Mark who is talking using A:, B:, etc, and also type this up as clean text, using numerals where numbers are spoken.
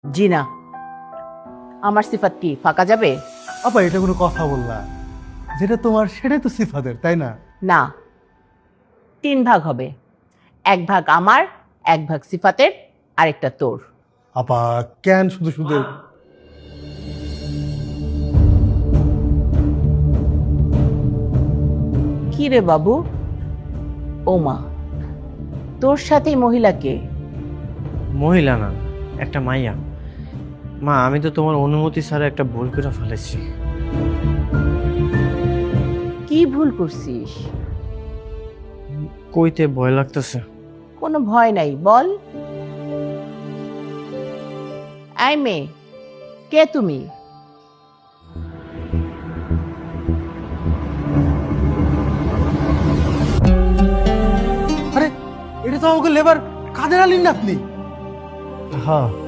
A: জি না। আমার সিফাত কি ফাঁকা যাবে?
B: আপা এটা কোনো কথা বললা? যেটা তোমার সেটাই তো সিফাতের, তাই না?
A: না, 3 ভাগ হবে। 1 ভাগ আমার, 1 ভাগ সিফাতের, আরেকটা তোর।
B: আপা কেন শুধু শুধু
A: কি রে বাবু? ও মা, তোর সাথে মহিলাকে?
C: মহিলা না, একটা মাইয়া। মা, আমি তো তোমার অনুমতি ছাড়া একটা ভুল করে ফেলেছি।
A: কি ভুল করছিস?
C: কইতে ভয় লাগতেছে।
A: কোনো ভয় নাই, বল। এই মেয়ে, কে তুমি?
B: আরে এটা তো আমাকে লেবার কাদের আলীর নাতনি।
C: হ্যাঁ,